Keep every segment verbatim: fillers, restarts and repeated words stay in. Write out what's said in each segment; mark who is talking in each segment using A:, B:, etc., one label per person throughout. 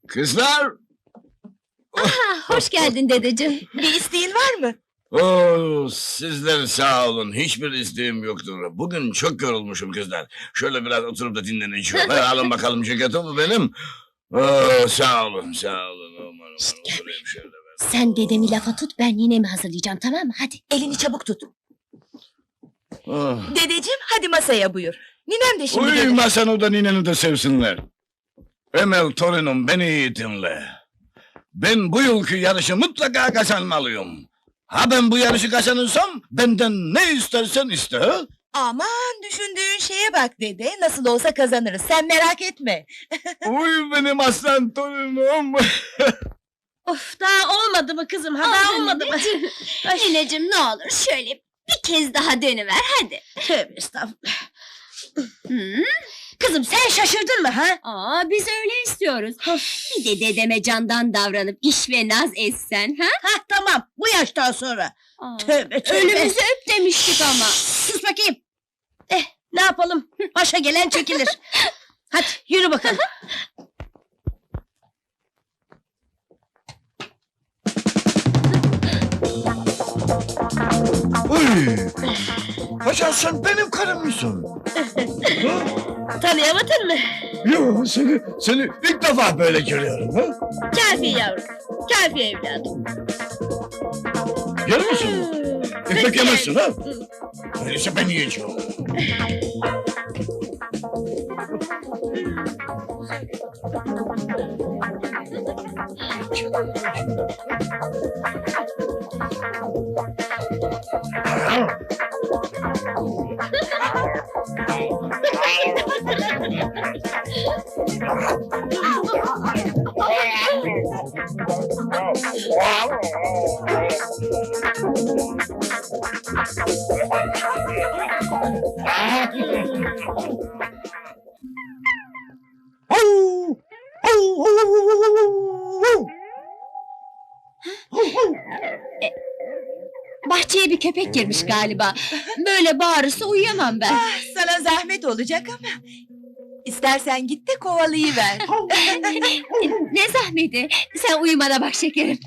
A: Kızlar!
B: Aha, hoş geldin dedeciğim.
C: Bir isteğin var mı?
A: Oo, sizler sağ olun. Hiçbir isteğim yoktur. Bugün çok yorulmuşum kızlar. Şöyle biraz oturup da dinleneceğim. Ha, alın bakalım ceketimi benim. Oo, sağ olun, sağ olun. Aman, aman,
B: Şşt, gel
A: oturayım şöyle ben.
B: Sen dedemi lafa tut, ben ninemi hazırlayacağım, tamam mı? Hadi.
C: Elini çabuk tut.
A: Oh.
C: Dedeciğim hadi masaya buyur. Ninem de şimdi
A: Uy,
C: gelir.
A: masanı da nineni de sevsinler. Emel torunum beni iyi dinle. Ben bu yılki yarışı mutlaka kazanmalıyım. Ha ben bu yarışı kazanırsam benden ne istersen iste. Ha?
C: Aman düşündüğün şeye bak dede. Nasıl olsa kazanırız. Sen merak etme.
A: Uy benim aslan torunum.
D: Of daha olmadı mı kızım? Ha daha olmadı mı? Ay,
B: Nineciğim ne olur şöyle bir kez daha dönüver, hadi.
D: tövbe estağfurullah.
B: Hı?
D: Kızım sen şaşırdın mı ha?
B: Aa, biz öyle istiyoruz. Bir de dedeme candan davranıp iş ve naz etsen, ha?
D: Ha tamam bu yaştan sonra.
B: Aa,
D: Tövbe tövbe.
B: Ölümüzü öp demiştik ama.
D: Sus bakayım. Eh ne yapalım? Başa gelen çekilir. Hadi yürü bakalım.
A: Uy. Hasan sen benim karım mısın?
D: Tanıyamadın mı?
A: Yo seni, seni ilk defa böyle görüyorum. Ha?
D: Kafi yavrum. Kafi evladım.
A: Yer misin? Ekmek yemezsin ha? Öyleyse ben yiyeceğim.
B: Bahçeye bir köpek girmiş galiba. Böyle bağırırsa uyuyamam ben.
C: Ah, sana zahmet olacak ama. İstersen git de kovalayıver.
B: Ne zahmeti? Sen uyumana bak şekerim.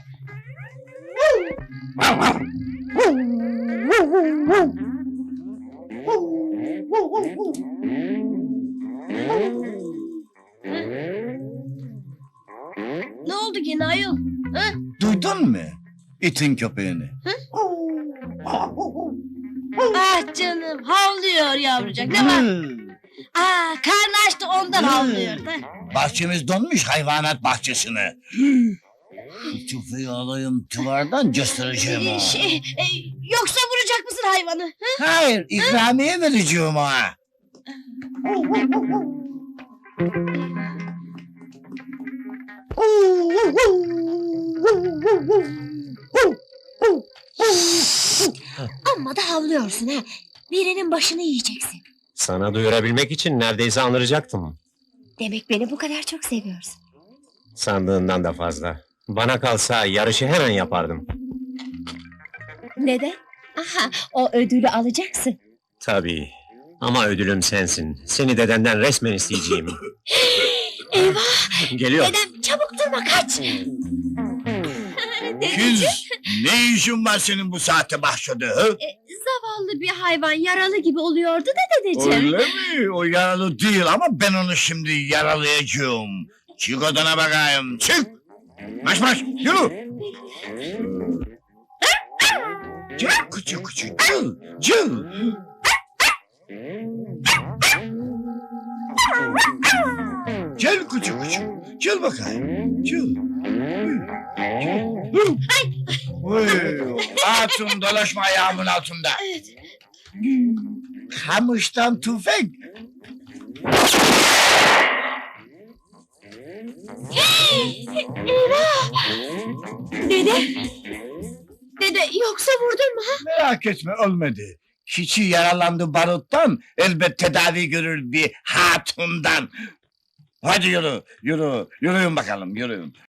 D: Ne oldu gene ayol? Ha?
A: Duydun mu? İtin köpeğini.
D: Ah canım havlıyor yavrucak ne var? Aa karnı açtı ondan havlıyor da.
A: Bahçemiz donmuş hayvanat bahçesine. Şu tüfeği alayım tuvardan göstereceğim
D: Ee,
A: ha.
D: Şey, e, yoksa vuracak mısın hayvanı? Ha?
A: Hayır, ikramiye vereceğim ha.
B: Amma da havlıyorsun ha. Birinin başını yiyeceksin.
E: Sana duyurabilmek için neredeyse anlayacaktım.
B: Demek beni bu kadar çok seviyorsun.
E: Sandığından da fazla. Bana kalsa yarışı hemen yapardım.
B: Neden? Aha, o ödülü alacaksın.
E: Tabii. Ama ödülüm sensin. Seni dedenden resmen isteyeceğim.
B: Eyvah!
E: Geliyor.
B: Dedem çabuk durma, kaç!
A: Kız, ne işin var senin bu saatte bahçede? Ha?
B: Zavallı bir hayvan yaralı gibi oluyordu da dedeciğim.
A: Öyle mi? O yaralı değil ama ben onu şimdi yaralayacağım. Çık odana bakayım, çık! Marş marş, yürü! Cıl küçük küçük, cıl, cıl! Gel küçük küçük, cıl bakayım, cıl! Uy, hatun dolaşma ayağımın altında. Kamıştan tüfek.
B: Dede! Dede, yoksa vurdun mu ha?
A: Merak etme olmadı. Hiçi yaralandı baruttan, elbet tedavi görür bir hatundan. Hadi yürü, yürü, yürüyün bakalım, yürüyün.